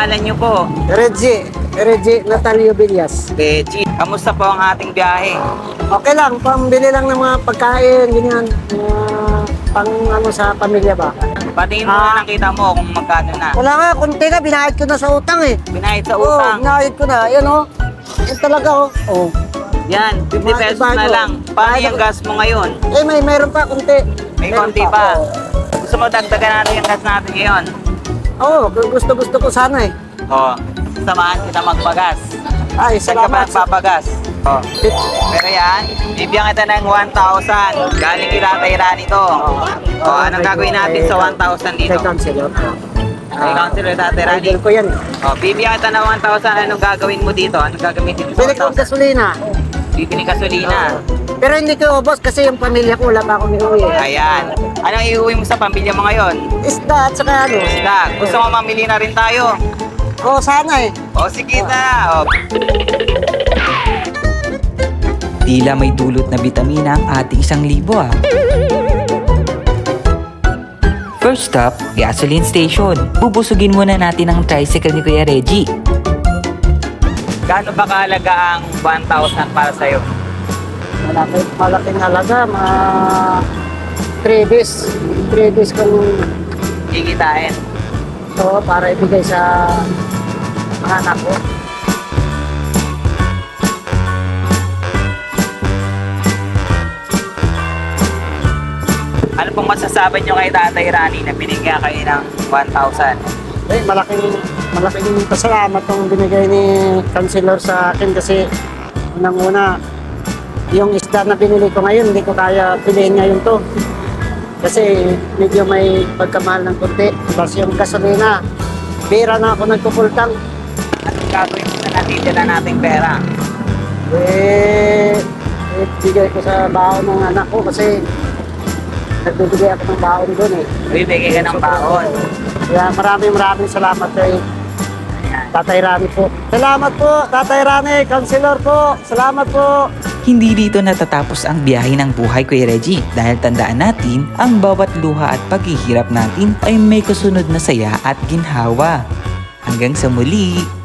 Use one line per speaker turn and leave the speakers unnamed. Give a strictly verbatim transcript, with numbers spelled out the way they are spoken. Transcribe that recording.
pangalan niyo po?
Reggie, Reggie Natalio Villas.
Reggie. Kamusta po ang ating biyahe?
Okay lang, pambili lang ng mga pagkain, ganyan. Uh, pang ano sa pamilya ba?
Patingin mo
Ah.
na nakita mo kung magkano na.
Wala nga, kunti na, binayad ko na sa utang eh.
Binayad sa
Oo,
utang.
binayad ko na, yan oh. Yan talaga oh. Oh.
Yan, fifty
Mga
pesos
iba
na
ko.
lang. Paano
Bayad
yung
ako.
gas mo ngayon?
Eh, may meron pa, kunti.
May
Meron
konti pa.
oo.
Gusto mo dagdagan natin yung gas natin ngayon?
Oo, kung gusto-gusto ko sana eh.
Oo. Samahan kita magpagas.
Ay,
Saan ka ba
salamat. sa-
nagpapagas? Oo. Pero yan, bibigyan kita ng one thousand. Galing kay Tatay Rani to. O, anong gagawin natin sa one thousand dito?
Kay Councilor.
Kay Councilor Tatay Rani.
Idol ko yan.
O, bibigyan kita ng one thousand. Anong gagawin mo dito? Anong gagamitin mo sa
Bili
one
ko
thousand?
gasolina.
Bibili gasolina.
Pero hindi ko ubos kasi yung pamilya ko wala pa akong iuwi.
Ayan. Anong iuwi mo sa pamilya mo ngayon?
Isda at saka ano.
Isda. Gusto mo mamili na rin tayo?
Oo, sana eh.
O, sige na. O,
Tila may dulot na bitamina ang ating isang libo ah. First stop, gasoline station. Bubusugin muna natin ang tricycle ni Kuya Reggie.
gaano ba kahalaga ang one thousand para sa'yo?
Malaki, malaking halaga. Mga three days. three days kong
Kikitain.
ito para ibigay sa mga anak ko.
Ano pong masasabi nyo kay Tatay Rani na binigyan kayo ng one thousand?
Eh, malaking, malaking pasalamat tong binigay ni Councilor sa akin kasi unang-una, yung isda na binili ko ngayon, hindi ko kaya piliin ngayon to. Kasi medyo may pagkamahal ng konti. Tapos yung gasolina, bira na ako nagpupultang.
Anong gagawin mo na natitira nating pera?
Eh, eh, bigay ko sa baon ng anak ko kasi nagbibigay ako ng baon doon eh.
Bibigay ka ng baon.
Kaya maraming maraming salamat kay Tatay Rani po. Salamat po, Tatay Rani, Councilor po. Salamat po.
Hindi dito natatapos ang biyahe ng buhay Kuya Reggie dahil tandaan natin ang bawat luha at paghihirap natin ay may kasunod na saya at ginhawa. Hanggang sa muli!